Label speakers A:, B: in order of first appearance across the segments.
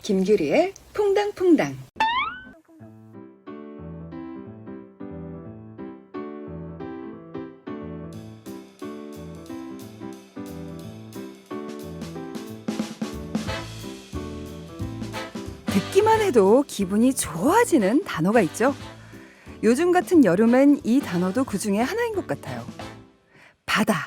A: 김규리의 퐁당퐁당. 듣기만 해도 기분이 좋아지는 단어가 있죠. 요즘 같은 여름엔 이 단어도 그 중에 하나인 것 같아요. 바다.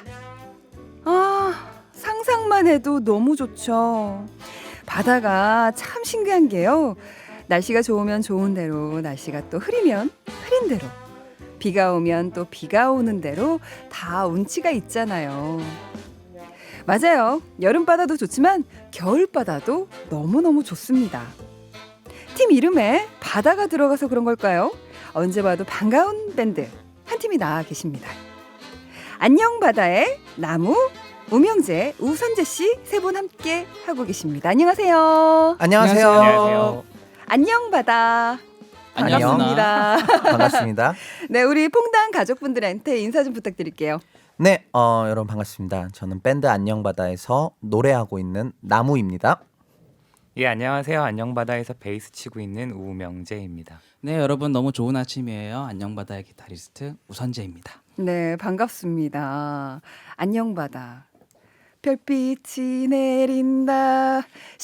A: 상상만 해도 너무 좋죠. 바다가 참 신기한 게요. 날씨가 좋으면 좋은 대로, 날씨가 또 흐리면 흐린 대로, 비가 오면 또 비가 오는 대로 다 운치가 있잖아요. 맞아요. 여름바다도 좋지만 겨울바다도 너무너무 좋습니다. 팀 이름에 바다가 들어가서 그런 걸까요? 언제 봐도 반가운 밴드 한 팀이 나와 계십니다. 안녕 바다의 나무, 우명재, 우선재 씨 세 분 함께 하고 계십니다. 안녕하세요.
B: 안녕하세요.
C: 안녕하세요.
A: 안녕 바다. 반갑습니다.
B: 반갑습니다.
A: 네, 우리 퐁당 가족분들한테 인사 좀 부탁드릴게요.
B: 네, 여러분 반갑습니다. 저는 밴드 안녕바다에서 노래하고 있는 나무입니다.
C: 예, 안녕하세요. 안녕바다에서 베이스 치고 있는 우명재입니다.
D: 네, 여러분 너무 좋은 아침이에요. 안녕바다의 기타리스트 우선재입니다.
A: 네, 반갑습니다. 안녕 바다. 별빛이 내린다.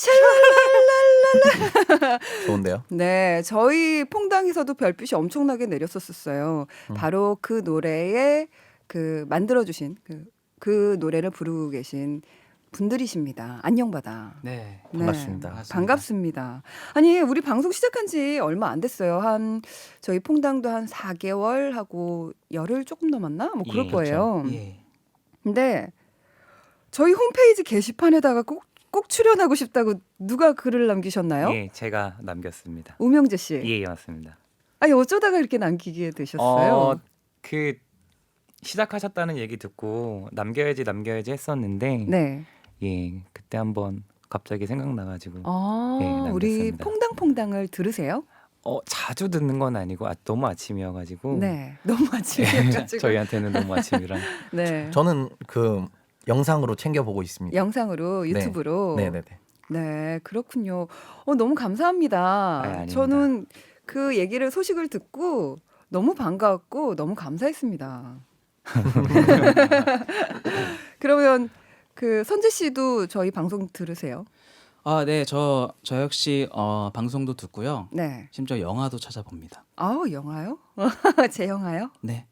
A: 샬랄랄랄라.
B: 좋은데요?
A: 네, 저희 퐁당에서도 별빛이 엄청나게 내렸었어요. 바로 그 노래에 그 만들어주신 그 노래를 부르고 계신 분들이십니다. 안녕바다.
D: 네,
B: 반갑습니다.
A: 반갑습니다. 아니, 우리 방송 시작한 지 얼마 안 됐어요. 저희 퐁당도 한 4개월 하고 열흘 조금 넘었나? 뭐 그럴
C: 예,
A: 거예요.
D: 예.
A: 근데 저희 홈페이지 게시판에다가 꼭 출연하고 싶다고 누가 글을 남기셨나요?
C: 예, 제가 남겼습니다.
A: 우명재 씨.
C: 예, 맞습니다.
A: 아니, 어쩌다가 이렇게 남기게 되셨어요?
C: 그 시작하셨다는 얘기 듣고 남겨야지 했었는데
A: 네.
C: 예, 그때 한번 갑자기 생각나가지고
A: 우리
C: 남겼습니다.
A: 퐁당퐁당을 들으세요?
C: 자주 듣는 건 아니고 너무 아침이어가지고
A: 네. 너무 아침이어가지고.
C: 저희한테는 너무 아침이라
A: 네.
B: 저는 그 영상으로 챙겨보고 있습니다.
A: 영상으로 유튜브로.
B: 네네네.
A: 네, 그렇군요. 너무 감사합니다.
C: 아닙니다.
A: 저는 그 얘기를 소식을 듣고 너무 반가웠고 너무 감사했습니다. 그러면 그 선재 씨도 저희 방송 들으세요?
D: 네, 저 역시 방송도 듣고요.
A: 네.
D: 심지어 영화도 찾아봅니다.
A: 영화요? 제 영화요?
D: 네.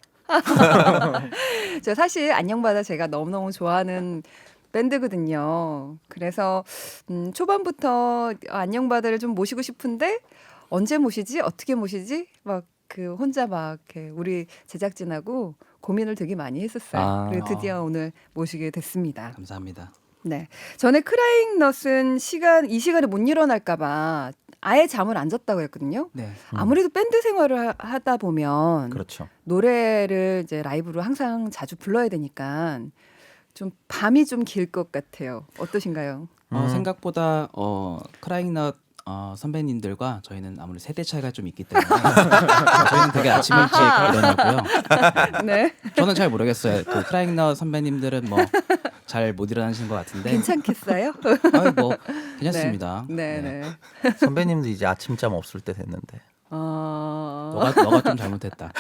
A: 저 사실 안녕바다 제가 너무너무 좋아하는 밴드거든요. 그래서 초반부터 안녕바다를 좀 모시고 싶은데 언제 모시지? 어떻게 모시지? 막 그 혼자 막 이렇게 우리 제작진하고 고민을 되게 많이 했었어요. 그리고 드디어 오늘 모시게 됐습니다.
D: 감사합니다.
A: 네. 전에 크라잉넛은 이 시간에 못 일어날까봐 아예 잠을 안 잤다고 했거든요.
D: 네.
A: 아무래도 밴드 생활을 하다 보면
B: 그렇죠.
A: 노래를 이제 라이브로 항상 자주 불러야 되니까 좀 밤이 좀 길 것 같아요. 어떠신가요?
D: 생각보다 크라잉넛 선배님들과 저희는 아무래도 세대 차이가 좀 있기 때문에 저희는 되게 아침 일찍 일어나고요.
A: 네.
D: 저는 잘 모르겠어요. 그 크라잉넛 선배님들은 뭐 잘 못 일어나시는 것 같은데.
A: 괜찮겠어요?
D: 뭐 괜찮습니다.
A: 네, 네.
B: 선배님도 이제 아침잠 없을 때 됐는데.
D: 너가 좀 잘못했다.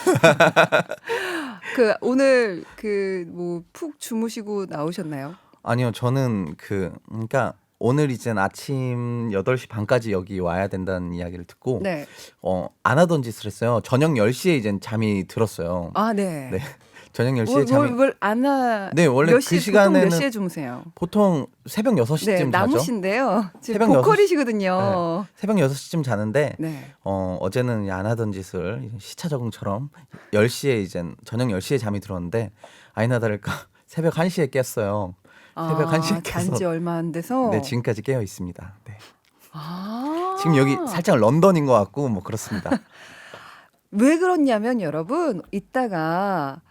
A: 오늘 뭐 푹 주무시고 나오셨나요?
B: 아니요, 저는 그러니까 오늘 이젠 아침 8시 반까지 여기 와야 된다는 이야기를 듣고
A: 네.
B: 안 하던 짓을 했어요. 저녁 10시에 이젠 잠이 들었어요.
A: 네.
B: 네. 저녁 10시에 잠이
A: 네,
B: 원래 그 시간에는
A: 몇 시에 주무세요?
B: 보통 새벽 6시쯤
A: 네,
B: 자죠.
A: 나무신데요. 지금
B: 새벽
A: 보컬이시거든요.
B: 새벽 6시쯤 자는데
A: 네.
B: 어제는 안 하던 짓을 시차 적응처럼 10시에 이젠 저녁 10시에 잠이 들었는데 아니나 다를까 새벽 1시에 깼어요. 새벽 1시에 깨서
A: 잔지 얼마 안 돼서.
B: 네, 지금까지 깨어 있습니다. 네. 지금 여기 살짝 런던인 것 같고 뭐 그렇습니다.
A: 왜 그렇냐면 여러분 이따가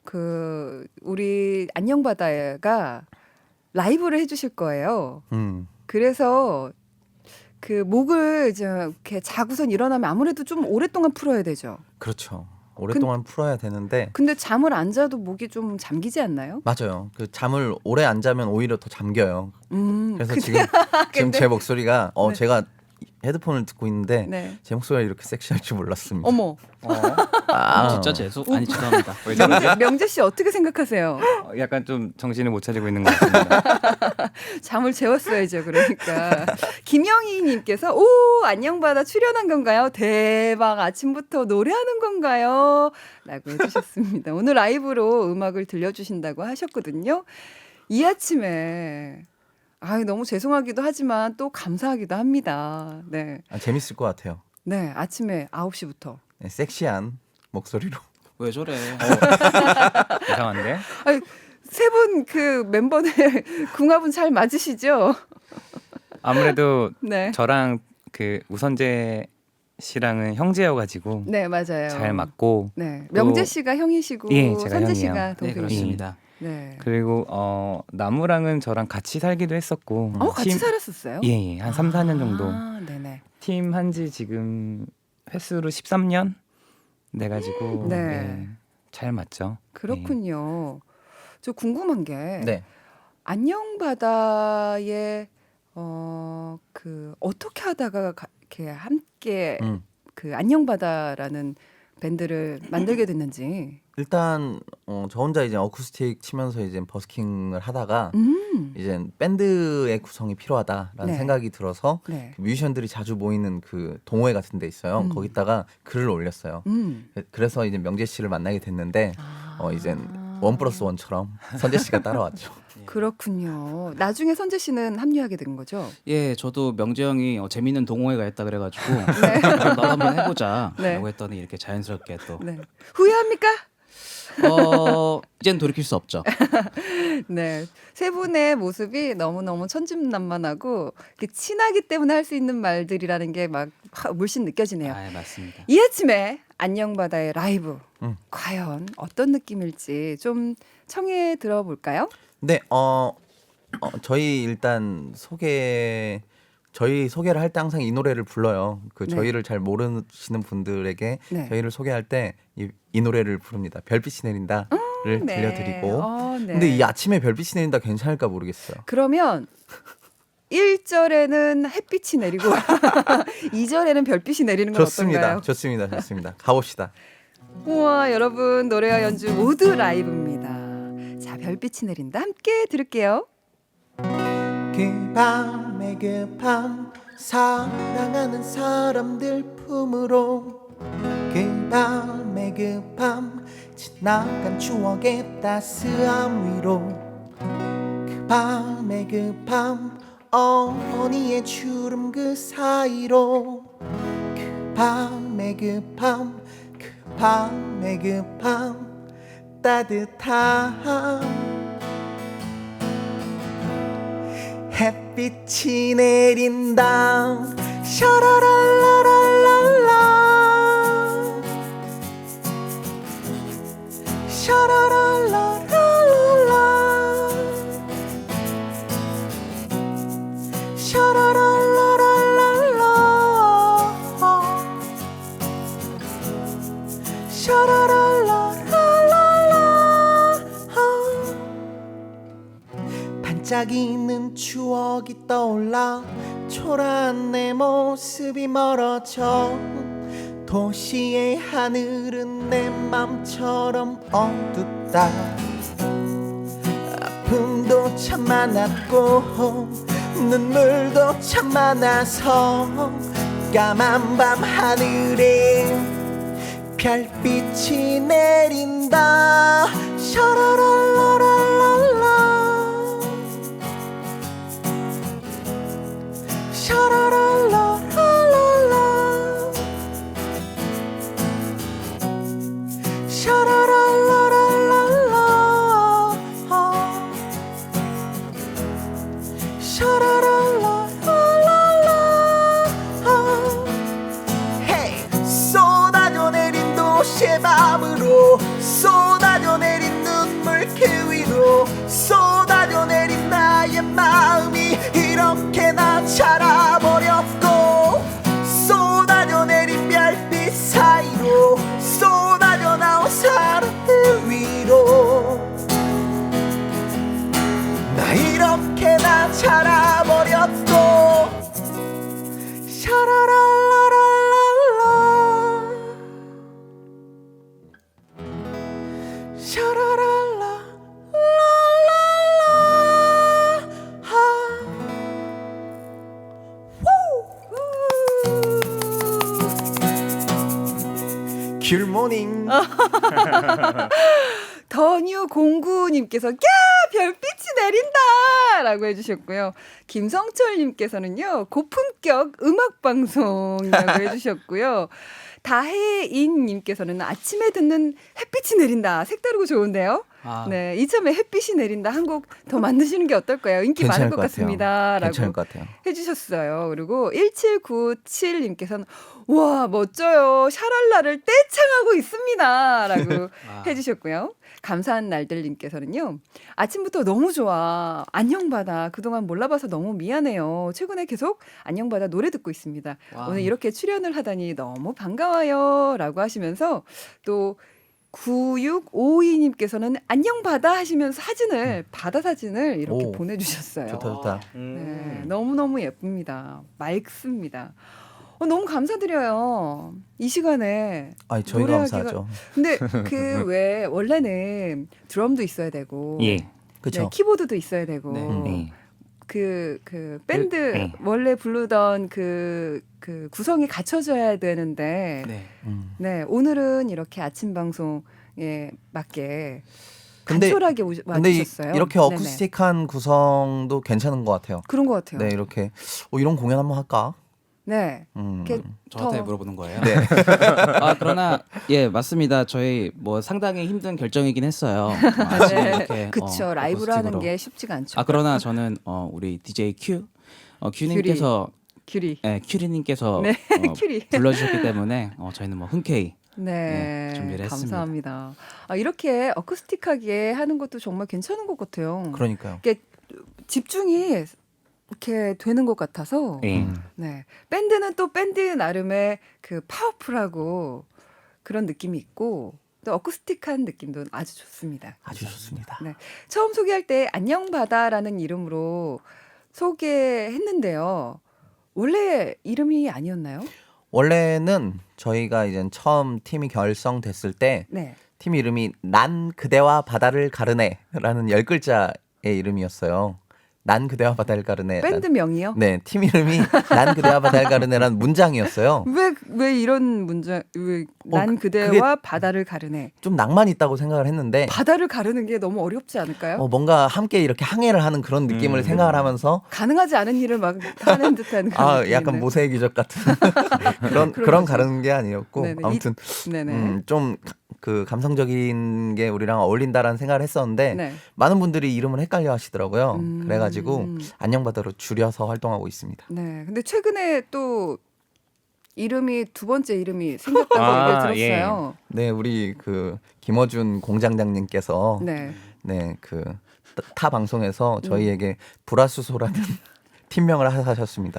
A: 우리 안녕바다가 라이브를 해주실 거예요. 그래서 그 목을 이제 이렇게 자고선 일어나면 아무래도 좀 오랫동안 풀어야 되죠.
B: 그렇죠. 오랫동안 풀어야 되는데.
A: 근데 잠을 안 자도 목이 좀 잠기지 않나요?
B: 맞아요. 그 잠을 오래 안 자면 오히려 더 잠겨요. 그래서
A: 근데,
B: 지금 제 목소리가
A: 네.
B: 제가 헤드폰을 듣고 있는데
A: 네.
B: 제 목소리가 이렇게 섹시할 줄 몰랐습니다.
A: 어머,
D: 진짜 아니 죄송합니다.
C: 왜 저러지?
A: 명재 씨 어떻게 생각하세요?
C: 약간 좀 정신을 못 차리고 있는 것 같습니다.
A: 잠을 재웠어야죠. 그러니까 김영희님께서 오 안녕바다 출연한 건가요? 대박 아침부터 노래하는 건가요? 라고 해주셨습니다. 오늘 라이브로 음악을 들려주신다고 하셨거든요. 이 아침에 너무 죄송하기도 하지만 또 감사하기도 합니다. 네,
B: 재밌을 것 같아요.
A: 네 아침에 9시부터
B: 네, 섹시한 목소리로.
D: 왜 저래?
C: 이상한데?
A: 세 분 그 멤버들 궁합은 잘 맞으시죠?
C: 아무래도
A: 네,
C: 저랑 그 우선재 씨랑은 형제여가지고
A: 네 맞아요.
C: 잘 맞고
A: 네, 명재 씨가 형이시고
C: 예, 제가
A: 선재
C: 형이에요.
A: 씨가
D: 네
A: 동생이시고.
D: 그렇습니다.
A: 네.
C: 그리고 나무랑은 저랑 같이 살기도 했었고
A: 같이 살았었어요?
C: 예, 한 3, 4년 정도
A: 네네.
C: 팀 한지 지금 횟수로 13년 돼가지고
A: 네.
C: 네, 잘 맞죠.
A: 그렇군요. 저 궁금한 게
B: 네.
A: 안녕바다에 어떻게 하다가 이렇게 함께 그 안녕바다라는 밴드를 만들게 됐는지.
B: 일단 저 혼자 이제 어쿠스틱 치면서 이제 버스킹을 하다가 이제 밴드의 구성이 필요하다라는
A: 네.
B: 생각이 들어서
A: 네.
B: 그 뮤지션들이 자주 모이는 그 동호회 같은 데 있어요. 거기다가 글을 올렸어요. 그래서 이제 명재 씨를 만나게 됐는데 이제 1+1처럼 선재 씨가 따라왔죠.
A: 그렇군요. 나중에 선재 씨는 합류하게 된 거죠?
D: 예, 저도 명재 형이 재밌는 동호회가 있다 그래가지고
A: 네.
D: 나도 한번 해보자라고
A: 네.
D: 했더니 이렇게 자연스럽게 또
A: 네. 후회합니까?
D: 이젠 돌이킬 수 없죠.
A: 네. 세 분의 모습이 너무너무 천진난만하고 이렇게 친하기 때문에 할 수 있는 말들이라는 게 막 물씬 느껴지네요.
D: 아, 맞습니다.
A: 이 아침에 안녕바다의 라이브 과연 어떤 느낌일지 좀 청해 들어볼까요?
B: 네, 저희 일단 저희 소개를 할 때 항상 이 노래를 불러요. 그
A: 네.
B: 저희를 잘 모르시는 분들에게
A: 네.
B: 저희를 소개할 때 이 노래를 부릅니다. 별빛이 내린다를
A: 네.
B: 들려드리고.
A: 네.
B: 근데 이 아침에 별빛이 내린다 괜찮을까 모르겠어요.
A: 그러면 1절에는 햇빛이 내리고 2절에는 별빛이 내리는 건
B: 좋습니다.
A: 어떤가요?
B: 좋습니다. 좋습니다. 가봅시다.
A: 우와 여러분 노래와 연주 모두 라이브입니다. 자 별빛이 내린다 함께 들을게요.
B: 그 밤에 그 밤 사랑하는 사람들 품으로 그 밤에 그 밤 지나간 추억의 따스함 위로 그 밤에 그 밤 어머니의 주름 그 사이로 그 밤에 그 밤 그 밤에 그 밤 따뜻한 햇빛이 내린다 샤라랄라랄랄라 샤라랄라랄랄라 샤라랄라랄랄라 샤라랄라랄랄라 반짝이는 추억이 떠올라 초라한 내 모습이 멀어져 도시의 하늘은 내 맘처럼 어둡다 아픔도 참 많았고 눈물도 참 많아서 까만 밤 하늘에 별빛이 내린다 샤라랄라랄랄라 샤라랄라랄랄라 샤라랄라랄랄라 샤라랄라랄랄라 헤이 쏟아져 내린 도시의 밤으로 쏟아져 내린 눈물 그 위로 쏟아져 내린 나의 마음이 이렇게나 자라버렸다 굿모닝.
A: 더뉴09님께서 야 별빛이 내린다라고 해주셨고요. 김성철님께서는요 고품격 음악방송이라고 해주셨고요. 다혜인님께서는 아침에 듣는 햇빛이 내린다. 색다르고 좋은데요.
D: 아,
A: 네, 이참에 햇빛이 내린다 한 곡 더 만드시는 게 어떨까요? 인기 많을
B: 괜찮을
A: 것
B: 것 같아요.
A: 같습니다.
B: 괜찮을
A: 라고
B: 것 같아요.
A: 해주셨어요. 그리고 1797님께서는 와 멋져요. 샤랄라를 떼창하고 있습니다. 라고
D: 아.
A: 해주셨고요. 감사한 날들님께서는요. 아침부터 너무 좋아. 안녕바다. 그동안 몰라봐서 너무 미안해요. 최근에 계속 안녕바다 노래 듣고 있습니다.
D: 와.
A: 오늘 이렇게 출연을 하다니 너무 반가워요. 라고 하시면서 또 9652님께서는 안녕바다 하시면서 바다 사진을 이렇게
B: 오.
A: 보내주셨어요.
B: 좋다.
A: 네, 너무너무 예쁩니다. 맑습니다. 너무 감사드려요. 이 시간에.
B: 아니 저희가
A: 노래하기가-
B: 감사하죠.
A: 근데 그 왜 원래는 드럼도 있어야 되고
C: 예.
B: 그렇죠.
A: 네, 키보드도 있어야 되고
D: 네.
C: 네.
A: 그 밴드
C: 네.
A: 원래 부르던 그 구성이 갖춰져야 되는데
D: 네.
A: 네, 오늘은 이렇게 아침 방송에 맞게
B: 근데-
A: 간촐하게
B: 근데
A: 와주셨어요.
B: 이렇게
A: 네네.
B: 어쿠스틱한 구성도 괜찮은 것 같아요.
A: 그런 것 같아요.
B: 네, 이렇게 이런 공연 한번 할까?
A: 네.
B: 음.
D: 저한테
A: 더-
D: 물어보는 거예요.
B: 네.
D: 아 그러나 예 맞습니다. 저희 뭐 상당히 힘든 결정이긴 했어요. 아침에
A: 네.
D: 이렇게,
A: 그쵸. 라이브로 하는
D: 어쿠스틱으로.
A: 게 쉽지가 않죠.
D: 아 그러나 저는 우리 DJ 큐님께서
A: 큐리.
D: 큐리님께서
A: 네, 큐리.
D: 불러주셨기 때문에 저희는 뭐 흔쾌히
A: 네,
D: 준비를 했습니다.
A: 감사합니다. 이렇게 어쿠스틱하게 하는 것도 정말 괜찮은 것 같아요.
B: 그러니까요.
A: 이게 집중이 이렇게 되는 것 같아서.
C: 예.
A: 네, 밴드는 또 밴드 나름의 그 파워풀하고 그런 느낌이 있고 또 어쿠스틱한 느낌도 아주 좋습니다.
B: 아주 좋습니다.
A: 네. 처음 소개할 때 안녕바다라는 이름으로 소개했는데요. 원래 이름이 아니었나요?
B: 원래는 저희가 이제 처음 팀이 결성됐을 때
A: 네.
B: 팀 이름이 난 그대와 바다를 가르네라는 10글자의 이름이었어요. 난 그대와 바다를 가르네.
A: 밴드 명이요?
B: 네, 팀 이름이 난 그대와 바다를 가르네라는 문장이었어요.
A: 왜 이런 문장? 난 그대와
B: 그게-
A: 바다를 가르네.
B: 좀 낭만 있다고 생각을 했는데
A: 바다를 가르는 게 너무 어렵지 않을까요?
B: 뭔가 함께 이렇게 항해를 하는 그런 느낌을 생각을 하면서
A: 가능하지 않은 일을 막 하는 듯한 그런 느낌이
B: 약간
A: 있네.
B: 모세의 기적 같은 그런
A: 거죠.
B: 가르는 게 아니었고
A: 네네.
B: 아무튼
A: 네네.
B: 좀 그 감성적인 게 우리랑 어울린다라는 생각을 했었는데
A: 네.
B: 많은 분들이 이름을 헷갈려 하시더라고요. 그래가지고
A: 음.
B: 안녕바다로 줄여서 활동하고 있습니다.
A: 네. 근데 최근에 또 이름이 두 번째 이름이 생겼다고
C: 아,
A: 얘기를 들었어요.
B: 네, 우리 그 김어준 공장장님께서
A: 네.
B: 네, 그 타 방송에서 저희에게 불화수소라는 팀명을 하셨습니다.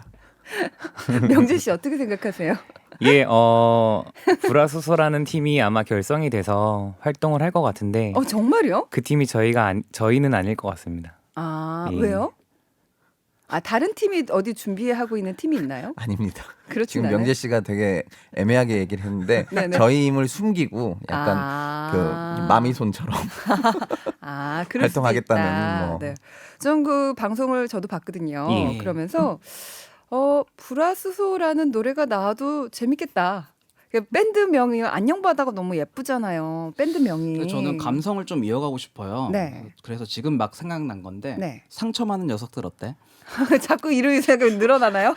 A: 명재 씨 어떻게 생각하세요?
C: 예, 불화수소라는 팀이 아마 결성이 돼서 활동을 할 것 같은데
A: 정말요?
C: 그 팀이 저희는 아닐 것 같습니다.
A: 아,
C: 예.
A: 왜요? 다른 팀이 어디 준비하고 있는 팀이 있나요?
B: 아닙니다.
A: 그렇진
B: 지금
A: 않아요.
B: 명재 씨가 되게 애매하게 얘기를 했는데
A: 네네.
B: 저희 힘을 숨기고 약간 그 마미손처럼
A: 그럴 수도
B: 활동하겠다는
A: 있다.
B: 뭐.
A: 네. 좀 그 방송을 저도 봤거든요.
C: 예.
A: 그러면서 불화수소라는 노래가 나와도 재밌겠다. 밴드 명이 안녕바다가 너무 예쁘잖아요. 밴드 명이.
D: 저는 감성을 좀 이어가고 싶어요.
A: 네.
D: 그래서 지금 막 생각난 건데
A: 네.
D: 상처 많은 녀석들 어때?
A: 자꾸 이름이 생각이 늘어나나요?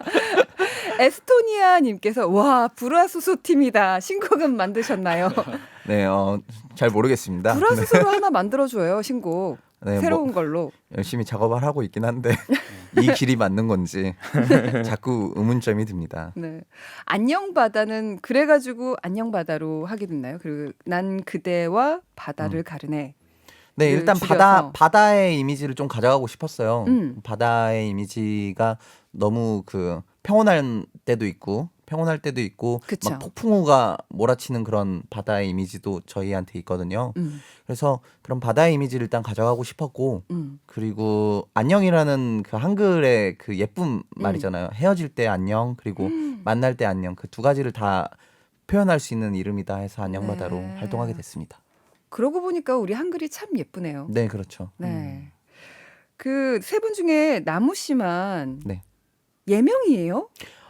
A: 에스토니아님께서 와 불화수소 팀이다. 신곡은 만드셨나요?
B: 네, 잘 모르겠습니다.
A: 불화수소로 하나 만들어줘요. 신곡.
B: 네,
A: 새로운 걸로.
B: 열심히 작업을 하고 있긴 한데 이 길이 맞는 건지 자꾸 의문점이 듭니다.
A: 네. 안녕바다는 그래가지고 안녕바다로 하게 됐나요? 그리고 난 그대와 바다를 가르네.
B: 네, 일단
A: 줄여서.
B: 바다의 이미지를 좀 가져가고 싶었어요.
A: 음.
B: 바다의 이미지가 너무 그 평온할 때도 있고
A: 그쵸.
B: 막 폭풍우가 몰아치는 그런 바다의 이미지도 저희한테 있거든요. 그래서 그런 바다의 이미지를 일단 가져가고 싶었고 그리고 안녕이라는 그 한글의 그 예쁜 말이잖아요. 헤어질 때 안녕 그리고 만날 때 안녕 그 두 가지를 다 표현할 수 있는 이름이다 해서 안녕바다로
A: 네.
B: 활동하게 됐습니다.
A: 그러고 보니까 우리 한글이 참 예쁘네요.
B: 네, 그렇죠.
A: 네. 그 세 분 중에 나무 씨만
B: 네.
A: 예명이에요?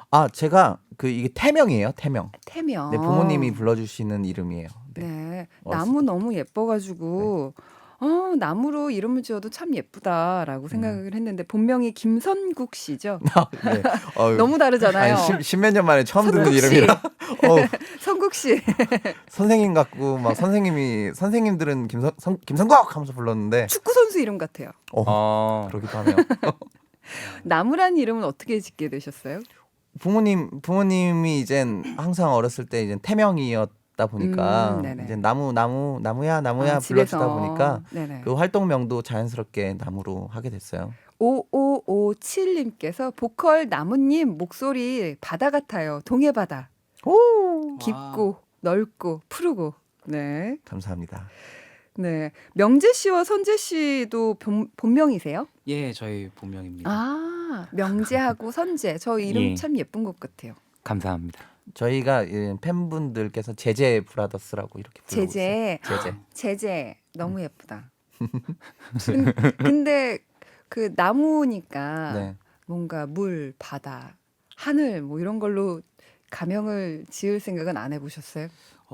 B: 아 제가 그 이게 태명이에요. 태명.
A: 태명.
B: 네, 부모님이 불러주시는 이름이에요. 네.
A: 네.
B: 어렸을
A: 나무 너무 예뻐가지고 나무로 이름을 지어도 참 예쁘다라고 생각을 했는데 본명이 김선국 씨죠.
B: 네.
A: 너무 다르잖아요.
B: 십몇 년 만에 처음 듣는
A: 선국 씨.
B: 이름이라.
A: 선국 씨.
B: 선생님 같고 막 선생님들은 김선국 하면서 불렀는데
A: 축구 선수 이름 같아요.
B: 그러기도 하네요.
A: 나무라는 이름은 어떻게 짓게 되셨어요?
B: 부모님이 이젠 항상 어렸을 때 이제 태명이었다 보니까
A: 네네.
B: 이제 나무야 불러주다
A: 집에서.
B: 보니까
A: 네네.
B: 그 활동명도 자연스럽게 나무로 하게 됐어요.
A: 5557님께서 보컬 나무님 목소리 바다 같아요. 동해 바다. 깊고 넓고 푸르고. 네.
B: 감사합니다.
A: 네. 명재 씨와 선재 씨도 본명이세요?
D: 예, 저희 본명입니다.
A: 아, 명재하고 선재. 저 이름
C: 예.
A: 참 예쁜 것 같아요.
C: 감사합니다.
B: 저희가 팬분들께서 제제 브라더스라고 이렇게 부르고
A: 제제.
B: 있어요. 제제.
A: 제재 너무 예쁘다. 근데 그 나무니까
B: 네.
A: 뭔가 물, 바다, 하늘 뭐 이런 걸로 가명을 지을 생각은 안 해보셨어요?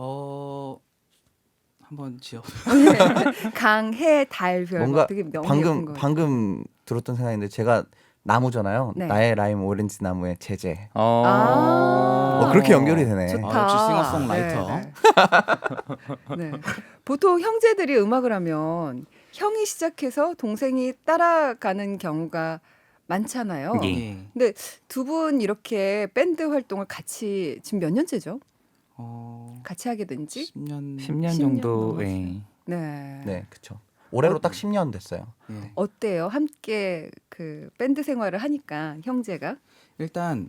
D: 한번 지어.
A: 강, 해, 달, 별
B: 뭔가
A: 되게 너무 예쁜 거.
B: 방금 들었던 생각인데 제가 나무잖아요.
A: 네.
B: 나의 라임 오렌지 나무의 제제. 그렇게 연결이 되네.
A: 좋다.
D: 역시 싱어송라이터.
A: 네. 네. 보통 형제들이 음악을 하면 형이 시작해서 동생이 따라가는 경우가 많잖아요.
C: 예.
D: 예.
A: 근데 두 분 이렇게 밴드 활동을 같이 지금 몇 년째죠? 같이 하게 된지?
D: 10년.
C: 10년
A: 10년
C: 정도.
A: 넘었어요.
C: 예.
A: 네.
B: 네, 그렇죠. 올해로 딱 10년 됐어요.
D: 예.
A: 어때요? 함께 그 밴드 생활을 하니까 형제가?
D: 일단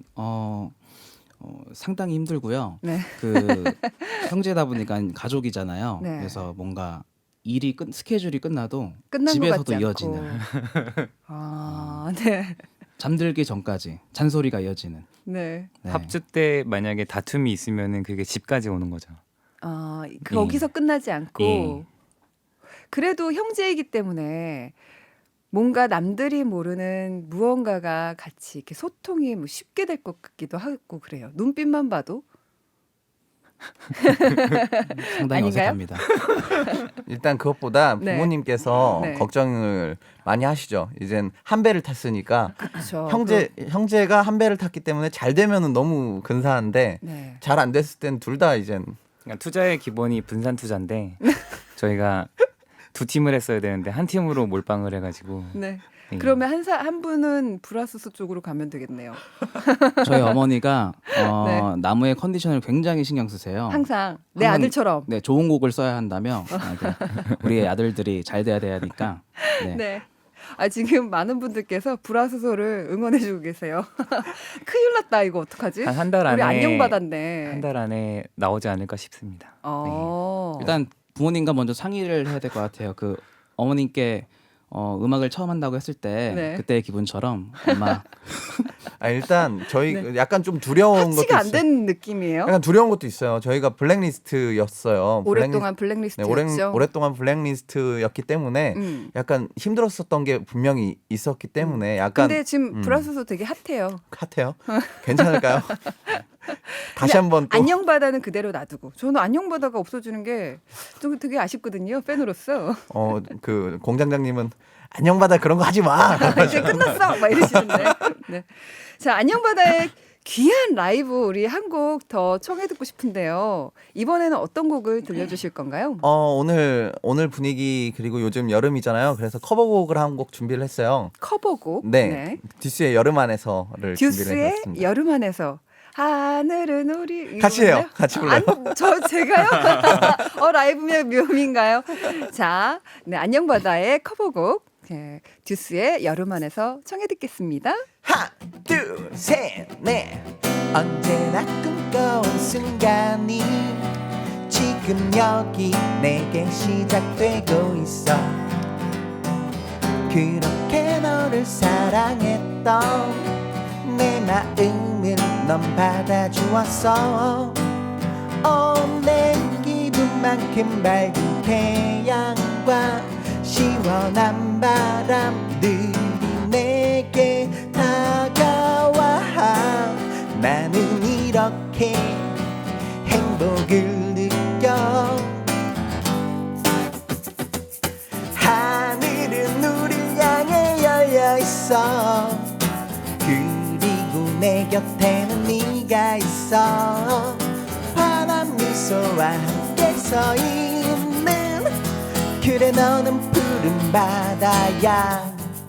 D: 상당히 힘들고요.
A: 네.
D: 그 형제다 보니까 가족이잖아요.
A: 네.
D: 그래서 뭔가 스케줄이 끝나도
A: 끝난 것
D: 집에서도
A: 같지
D: 이어지는
A: 않고. 아, 네.
D: 잠들기 전까지 잔소리가 이어지는.
A: 네.
D: 네.
C: 합주 때 만약에 다툼이 있으면은 그게 집까지 오는 거죠.
A: 아, 거기서 끝나지 않고
C: 예.
A: 그래도 형제이기 때문에 뭔가 남들이 모르는 무언가가 같이 이렇게 소통이 뭐 쉽게 될 것 같기도 하고 그래요. 눈빛만 봐도.
D: 상당히
A: 아닌가요?
D: 어색합니다.
B: 일단 그것보다
A: 네.
B: 부모님께서
A: 네.
B: 걱정을 많이 하시죠. 이젠 한 배를 탔으니까
A: 그렇죠.
B: 형제가 한 배를 탔기 때문에 잘 되면은 너무 근사한데
A: 네.
B: 잘 안 됐을 땐 둘 다 이젠
C: 그러니까 투자의 기본이 분산 투자인데 저희가 두 팀을 했어야 되는데 한 팀으로 몰빵을 해가지고.
A: 네.
C: 예.
A: 그러면 한 분은 브라스스 쪽으로 가면 되겠네요.
D: 저희 어머니가
A: 네.
D: 나무의 컨디션을 굉장히 신경 쓰세요.
A: 항상 내
D: 항상-
A: 아들처럼.
D: 네, 좋은 곡을 써야 한다며 우리 아들들이 잘 돼야 되니까. 네.
A: 네. 아, 지금 많은 분들께서 브라스소를 응원해주고 계세요. 큰일 났다 이거 어떡하지?
C: 한 달
A: 우리
C: 안에
A: 안녕 받았네.
C: 한 달 안에 나오지 않을까 싶습니다.
D: 일단 부모님과 먼저 상의를 해야 될 것 같아요. 그 어머님께 음악을 처음 한다고 했을 때
A: 네.
D: 그때의 기분처럼 엄마
B: 일단 저희
A: 네.
B: 약간 좀 두려운 것도
A: 합치가 안
B: 있어요.
A: 된 느낌이에요.
B: 약간 두려운 것도 있어요. 저희가 블랙리스트였어요.
A: 오랫동안
B: 네,
A: 블랙리스트였죠.
B: 오랫동안 블랙리스트였기 때문에 약간 힘들었었던 게 분명히 있었기 때문에 약간
A: 근데 지금 브라스소 되게 핫해요.
B: 핫해요. 괜찮을까요? 다시 한번 또
A: 안녕바다는 그대로 놔두고 저는 안녕바다가 없어지는 게 좀 되게 아쉽거든요. 팬으로서.
B: 그 공장장님은 안녕바다 그런 거 하지 마.
A: 이제 끝났어. 막 이러시는데. 네. 자, 안녕바다의 귀한 라이브 우리 한 곡 더 청해 듣고 싶은데요. 이번에는 어떤 곡을 들려주실 건가요?
B: 오늘 분위기 그리고 요즘 여름이잖아요. 그래서 커버곡을 한 곡 준비를 했어요.
A: 커버곡.
B: 네. 듀스의 여름 안에서를 준비를
A: 듀스의
B: 해봤습니다.
A: 여름 안에서 하늘은 우리
B: 같이 해요. 같이 불러요.
A: 제가요? 라이브면 묘미인가요? 자, 네, 안녕바다의 커버곡 네, 듀스의 여름 안에서 청해 듣겠습니다.
B: 하나, 둘, 셋, 넷. 언제나 꿈꿔온 순간이 지금 여기 내게 시작되고 있어. 그렇게 너를 사랑했던 내 마음을 넌 받아주었어. 내 기분만큼 밝은 태양과 시원한 바람들이 내게 다가와 나는 이렇게 행복을 느껴. 하늘은 우릴 향해 열려 있어. 그리고 내 곁에는 네가 있어. 환한 미소와 함께 서 있는 그래 너는 푸른 바다야.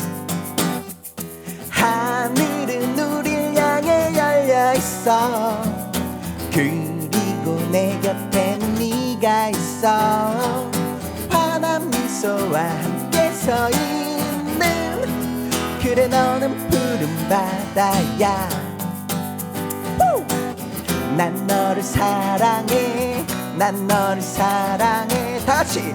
B: 하늘은 우릴 향해 열려 있어. 그리고 내 곁에는 네가 있어. 환한 미소와 함께 서 있는 그래 너는 푸른 바다야. 난 너를 사랑해. 난 너를 사랑해. 다같이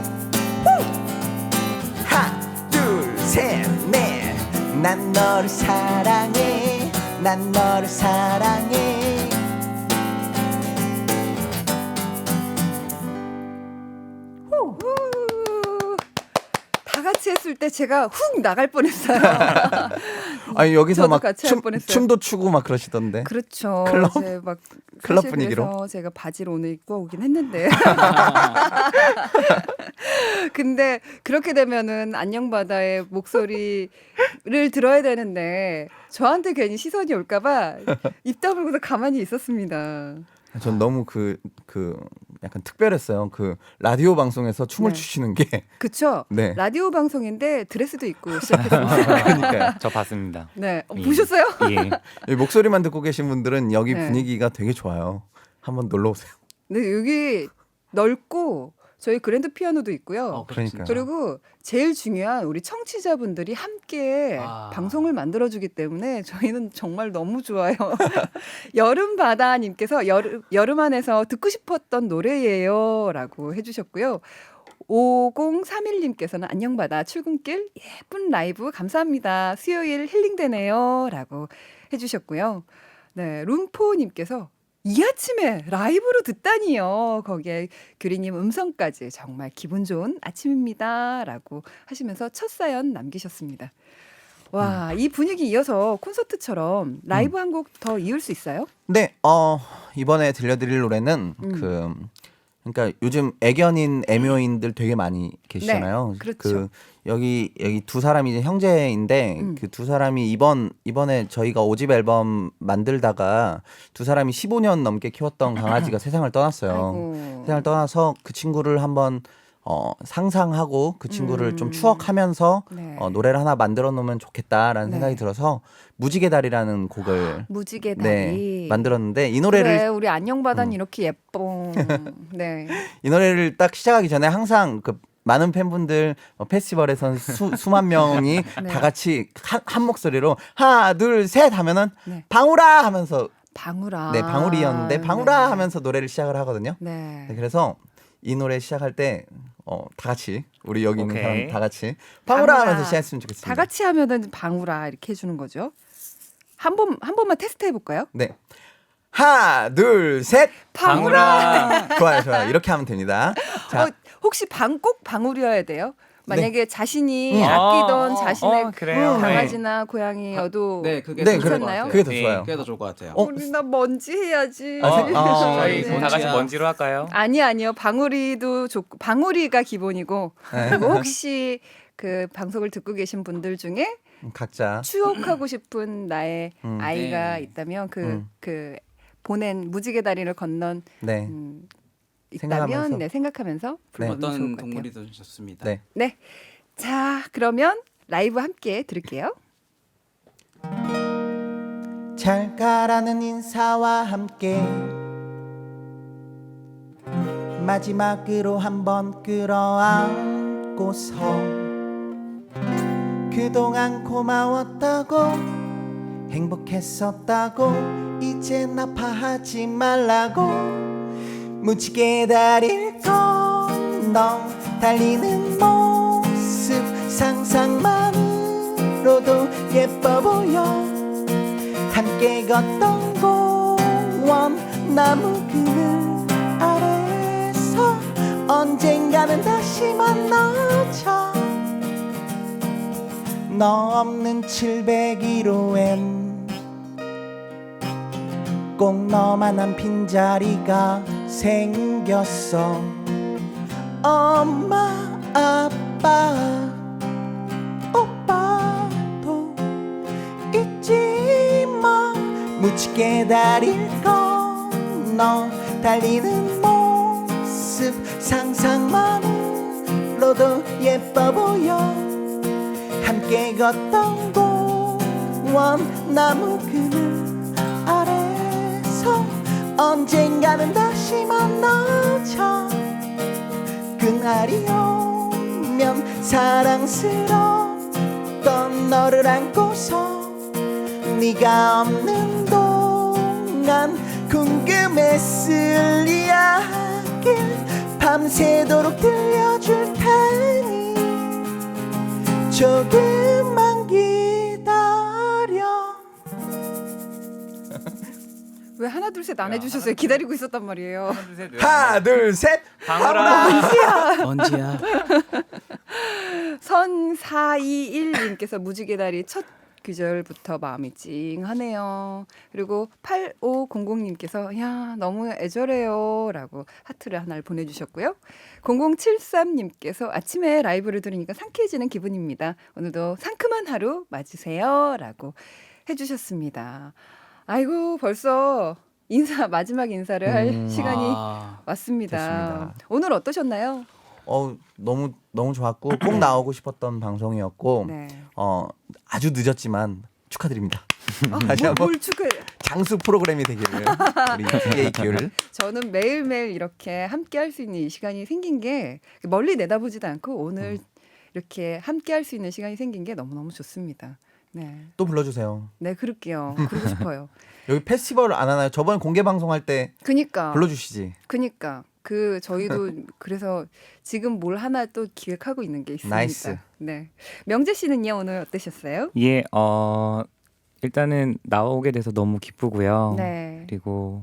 B: 하나 둘 셋 넷. 난 너를 사랑해. 난 너를 사랑해.
A: 다 같이 했을 때 제가 훅 나갈 뻔했어요.
B: 아니 여기서
A: 저도
B: 막
A: 같이 할 뻔했어요.
B: 춤도 추고 막 그러시던데.
A: 그렇죠.
B: 클럽?
A: 이제 막
B: 클럽
A: 사실
B: 분위기로?
A: 그래서 제가 바지를 오늘 입고 오긴 했는데. 근데 그렇게 되면은 안녕바다의 목소리를 들어야 되는데 저한테 괜히 시선이 올까봐 입 다물고서 가만히 있었습니다.
B: 전 너무 그 약간 특별했어요. 그 라디오 방송에서 춤을
A: 네.
B: 추시는 게.
A: 그쵸?
B: 네.
A: 라디오 방송인데 드레스도 입고 시작했습니다.
B: 그러니까요.
C: 저 봤습니다.
A: 네,
C: 예.
A: 보셨어요?
C: 예.
B: 이 목소리만 듣고 계신 분들은 여기
A: 네.
B: 분위기가 되게 좋아요. 한번 놀러 오세요.
A: 네, 여기 넓고 저희 그랜드 피아노도 있고요.
B: 그러니까요.
A: 그리고 제일 중요한 우리 청취자분들이 함께 방송을 만들어주기 때문에 저희는 정말 너무 좋아요. 여름바다님께서 여름 안에서 듣고 싶었던 노래예요 라고 해주셨고요. 5031님께서는 안녕바다 출근길 예쁜 라이브 감사합니다. 수요일 힐링되네요 라고 해주셨고요. 네, 룸포님께서 이 아침에 라이브로 듣다니요. 거기에 규리님 음성까지 정말 기분 좋은 아침입니다. 라고 하시면서 첫 사연 남기셨습니다. 와, 이 분위기 이어서 콘서트처럼 라이브 한 곡 더 이을 수 있어요?
B: 네, 이번에 들려드릴 노래는 그러니까 요즘 애견인 애묘인들 되게 많이 계시잖아요.
A: 네, 그렇죠.
B: 여기 두 사람이 이제 형제인데 그 두 사람이 이번에 저희가 5집 앨범 만들다가 두 사람이 15년 넘게 키웠던 강아지가 세상을 떠났어요.
A: 아이고.
B: 세상을 떠나서 그 친구를 한번 상상하고 그 친구를 좀 추억하면서
A: 네.
B: 노래를 하나 만들어 놓으면 좋겠다라는
A: 네.
B: 생각이 들어서 무지개 다리라는 곡을
A: 무지개 다리.
B: 네, 만들었는데 이 노래를
A: 그래, 우리 안녕바다는 이렇게 예뻐. 네.
B: 이 노래를 딱 시작하기 전에 항상 그 많은 팬분들 페스티벌에선 수만 명이
A: 네.
B: 다 같이 한 목소리로 하나 둘 셋 하면은
A: 네.
B: 방울아 하면서
A: 방울아.
B: 네 방울이었는데 방울아
A: 네.
B: 하면서 노래를 시작을 하거든요.
A: 네.
B: 네, 그래서 이 노래 시작할 때 다 같이 우리 여기 있는
C: 오케이.
B: 사람 다 같이 방울아
A: 방울아.
B: 하면서 시작했으면 좋겠습니다.
A: 다 같이 하면은 방울아 이렇게 해주는 거죠. 한 번만 테스트 해볼까요?
B: 네. 하나 둘 셋
C: 방울아.
B: 좋아요 이렇게 하면 됩니다. 자
A: 혹시 꼭 방울이어야 돼요? 만약에 자신이
B: 음.
A: 아끼던 자신의
C: 그래요.
A: 강아지나 고양이여도
D: 네, 그게
B: 네,
D: 더 좋을 것
A: 괜찮나요?
D: 같아요.
B: 그게 더
C: 네.
B: 좋아요.
D: 그게 더 좋을 것 같아요.
A: 우리 나 먼지 해야지.
C: 저희
A: 네.
C: 다 같이 먼지로 할까요?
A: 아니요. 방울이도 좋고 방울이가 기본이고 그리고 혹시 그 방송을 듣고 계신 분들 중에
B: 각자
A: 추억하고 싶은 나의 아이가
D: 네.
A: 있다면 그 보낸 무지개 다리를 건넌
B: 네.
A: 있다면
B: 생각하면서.
A: 네, 생각하면서 불러주면 좋을
D: 어떤
A: 것 같아요.
D: 동물이든 좋습니다.
B: 네.
A: 네. 자, 그러면 라이브 함께 들을게요.
B: 잘 가라는 인사와 함께 마지막으로 한번 끌어안고서 그동안 고마웠다고 행복했었다고 이젠 아파하지 말라고 무지개 다리를 건너 달리는 모습 상상만으로도 예뻐 보여 함께 걷던 공원 나무 그늘 아래서 언젠가는 다시 만나자 너 없는 701호엔 꼭 너만한 빈자리가 생겼어. 엄마 아빠 오빠도 잊지 마. 묻히게 다리를 건너 달리는 모습 상상만으로도 예뻐 보여. 함께 걷던 공원 나무 그늘 아래서 언젠가는 다시 만나자. 그날이 오면 사랑스러웠던 너를 안고서 네가 없는 동안 궁금했을 이야기 밤새도록 들려줄 테니 조금만 기다려.
A: 왜 하나 둘 셋 안 해주셨어요? 기다리고 있었단 말이에요.
B: 하나 둘 셋.
C: 방울아.
D: 언제야?
A: 선421님께서 무지개다리 첫 귀절부터 마음이 찡하네요. 그리고 8500님께서 야 너무 애절해요 라고 하트를 하나를 보내주셨고요. 0073님께서 아침에 라이브를 들으니까 상쾌해지는 기분입니다. 오늘도 상큼한 하루 맞으세요 라고 해주셨습니다. 아이고 벌써 마지막 인사를 할 시간이 왔습니다.
B: 됐습니다.
A: 오늘 어떠셨나요?
B: 너무 좋았고 꼭 나오고 싶었던 방송이었고
A: 네.
B: 아주 늦었지만 축하드립니다. 다시 한번
A: 뭘 축하해.
B: 장수 프로그램이 되기를 우리 DJ 기율.
A: 저는 매일매일 이렇게 함께 할 수 있는 이 시간이 생긴 게 멀리 내다보지도 않고 오늘 이렇게 함께 할 수 있는 시간이 생긴 게 너무너무 좋습니다. 네.
B: 또 불러주세요.
A: 네, 그럴게요. 그러고 싶어요.
B: 여기 페스티벌 안 하나요? 저번에 공개 방송할 때
A: 그니까.
B: 불러주시지.
A: 그니까. 저희도 그래서 지금 뭘 하나 또 기획하고 있는 게 있습니다.
B: 나이스.
A: 네. 명재 씨는요, 오늘 어떠셨어요?
C: 예, 일단은 나오게 돼서 너무 기쁘고요.
A: 네.
C: 그리고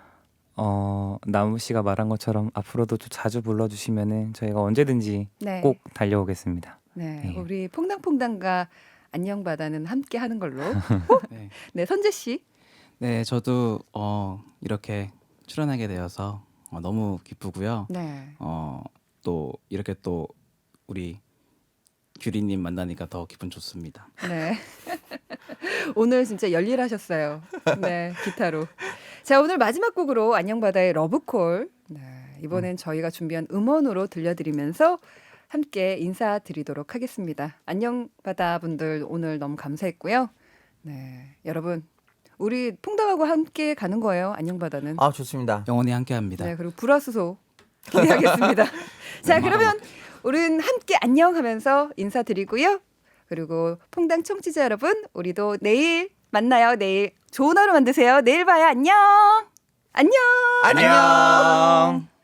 C: 나무 씨가 말한 것처럼 앞으로도 좀 자주 불러주시면은 저희가 언제든지
A: 네.
C: 꼭 달려오겠습니다.
A: 네.
C: 네.
A: 우리 퐁당퐁당과 안녕바다는 함께 하는 걸로.
D: 네.
A: 네, 선재 씨.
D: 네, 저도 이렇게 출연하게 되어서 너무 기쁘고요.
A: 네.
D: 또 이렇게 또 우리 규리님 만나니까 더 기분 좋습니다.
A: 네. 오늘 진짜 열일하셨어요. 네, 기타로. 자, 오늘 마지막 곡으로 안녕바다의 러브콜. 네, 이번엔 저희가 준비한 음원으로 들려드리면서 함께 인사드리도록 하겠습니다. 안녕바다 분들 오늘 너무 감사했고요. 네, 여러분 우리 퐁당하고 함께 가는 거예요. 안녕바다는.
B: 아 좋습니다.
D: 영원히 함께합니다.
A: 네, 그리고 불화수소 기대하겠습니다. 자, 그러면 우리는 함께 안녕하면서 인사드리고요. 그리고 퐁당 청취자 여러분, 우리도 내일 만나요. 내일 좋은 하루 만드세요. 내일 봐요. 안녕. 안녕.
B: 안녕.